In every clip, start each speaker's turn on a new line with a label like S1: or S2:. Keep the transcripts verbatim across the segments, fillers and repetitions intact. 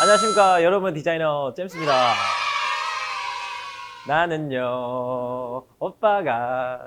S1: 안녕하십니까 여러분, 디자이너 잼스입니다. 나는요 오빠가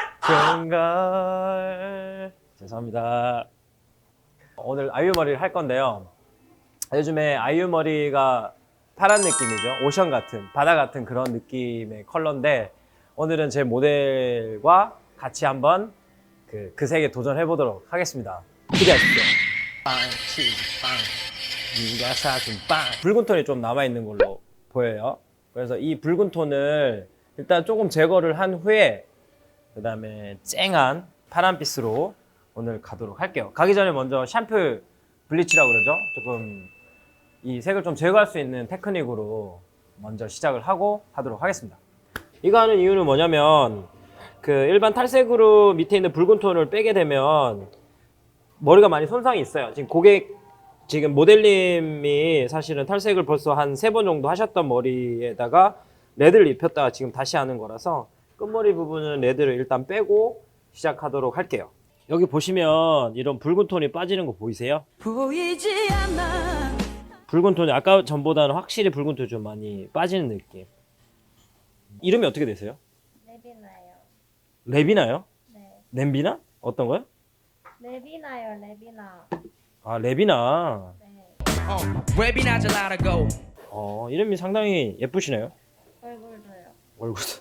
S1: 좋은걸. 죄송합니다. 오늘 아이유 머리를 할 건데요, 요즘에 아이유 머리가 파란 느낌이죠. 오션 같은, 바다 같은 그런 느낌의 컬러인데, 오늘은 제 모델과 같이 한번 그, 그 색에 도전해 보도록 하겠습니다. 기대하십시오. 빵, 치즈, 빵. 네가 사준 빵. 붉은 톤이 좀 남아있는 걸로 보여요. 그래서 이 붉은 톤을 일단 조금 제거를 한 후에 그 다음에 쨍한 파란빛으로 오늘 가도록 할게요. 가기 전에 먼저 샴푸 블리치라고 그러죠. 조금 이 색을 좀 제거할 수 있는 테크닉으로 먼저 시작을 하고 하도록 하겠습니다. 이거 하는 이유는 뭐냐면, 그 일반 탈색으로 밑에 있는 붉은 톤을 빼게 되면 머리가 많이 손상이 있어요. 지금 고객 지금 모델님이 사실은 탈색을 벌써 한 세 번 정도 하셨던 머리에다가 레드를 입혔다가 지금 다시 하는 거라서 끝머리 부분은 레드를 일단 빼고 시작하도록 할게요. 여기 보시면 이런 붉은 톤이 빠지는 거 보이세요? 보이지 않아. 붉은 톤이 아까 전보다는 확실히 붉은 톤이 좀 많이 빠지는 느낌. 이름이 어떻게 되세요?
S2: 레비나요.
S1: 레비나요?
S2: 네.
S1: 렘비나? 어떤 거요?
S2: 레비나요, 레비나.
S1: 아, 레비나.
S2: 네.
S3: 레비나 젤라고.
S1: 어, 이름이 상당히 예쁘시네요.
S2: 얼굴도요.
S1: 얼굴도.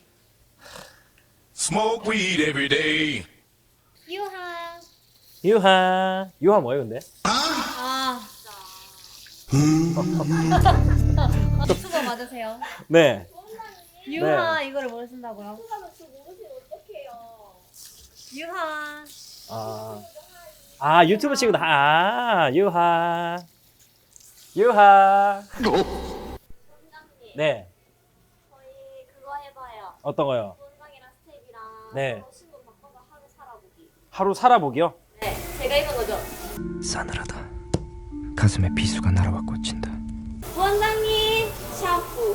S4: Smoke weed every day.
S2: 유하.
S1: 유하. 유하 뭐예요, 근데?
S2: 아. 수고 많으세요.
S1: 네.
S2: 유하 이거를 모르신다고요? 유하.
S1: 아, 아 유튜브 친구다. 아, 유하. 유하. 네.
S5: 저희 그거 해봐요.
S1: 어떤 거요?
S5: 본방이랑 스텝이랑
S1: 네.
S5: 신분 바꿔서 하루 살아보기.
S1: 하루 살아보기요?
S5: 네, 제가 입은 거죠.
S3: 싸늘하다. 가슴에 비수가 날아와 꽂힌다.
S5: 원장님 샤프.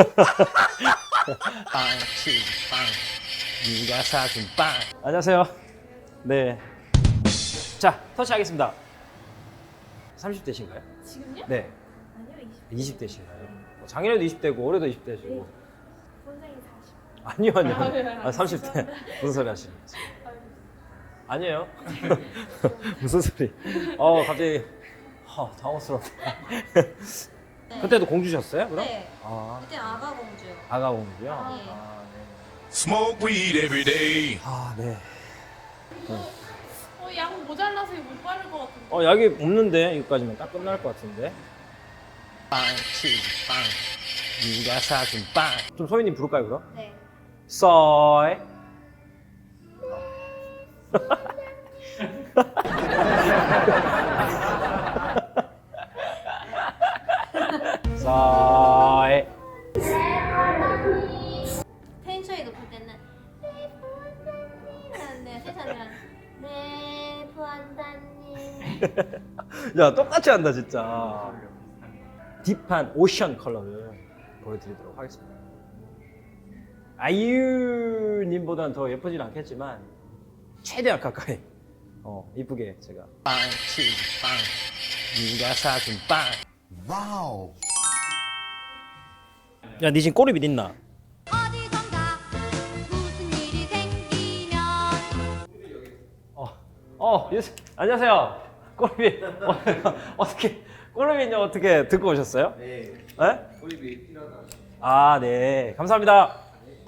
S1: 빵, 치즈, 빵. 네가 사준 빵. 안녕하세요. 네. 자, 터치하겠습니다. 삼십 대신가요?
S2: 지금요?
S1: 네.
S2: 아니요, 이십.
S1: 이십 대신가요? 작년에도 이십 대고 올해도 이십 대시고.
S2: 원장님 사십.
S1: 아니요, 아니요. 아, 삼십 대. 무슨 소리 하시는 거지? 아니에요. 무슨 소리? 어, 갑자기 어, 당황스럽다. 그때도 공주셨어요, 그럼?
S2: 네.
S1: 아,
S2: 그때 아가 공주요.
S1: 아가 공주요?
S2: 아, 예.
S1: 아, 네.
S4: Smoke weed every day.
S1: 아, 네.
S6: 어, 양 모자라서 이거 못 바를 것 같은데.
S1: 어, 약이 없는데 여기까지면 딱 끝날 것 같은데. 빵, 치즈, 빵. 네가 사준 빵. 좀 소희님 부를까요, 그럼?
S2: 네.
S1: 쏘이. 쏘이.
S2: 텐션이 높을 때는 네, 부원장님. 네, 세상이랑 네, 부원장님.
S1: 야, 똑같이 한다 진짜. 딥한 오션 컬러를 보여드리도록 하겠습니다. 아이유님보다는 더 예쁘진 않겠지만 최대한 가까이 어 이쁘게 제가 빵, 치즈, 빵. 네가 사준 빵. 와우. 야, 니 지금 꼬리빗 있나?
S2: 어디선가 무슨 일이 생기면
S1: 어, 어, 유스, 안녕하세요. 꼬리빗 어, 어떻게 꼬리빗요 어떻게 듣고 오셨어요? 네. 네? 꼬리빗 필요하다. 아, 네. 감사합니다.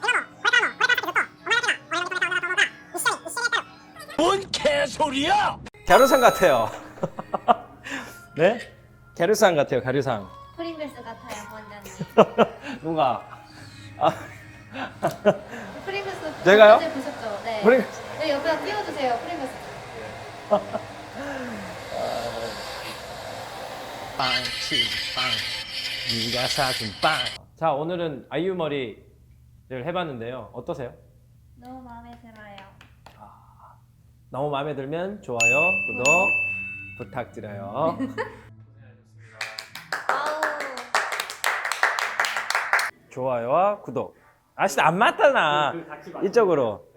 S3: 뭔 개소리야!
S1: 갸루상 같아요. 네? 갸루상 같아요. 갸루상.
S2: 프링글스 같아요, 부원장님.
S1: 누가? 아,
S2: 프링글스
S1: 제가요?
S2: 어제 보셨죠? 네.
S1: 프링글스.
S2: 여기 옆에다 띄워주세요, 프링글스.
S1: 빵, 치즈, 빵. 네가 사준 빵. 자, 오늘은 아이유 머리를 해봤는데요. 어떠세요?
S2: 너무 마음에 들어요.
S1: 너무 마음에 들면 좋아요, 구독 부탁드려요.
S2: 아우.
S1: 좋아요와 구독. 아, 진짜 안 맞잖아. 이쪽으로.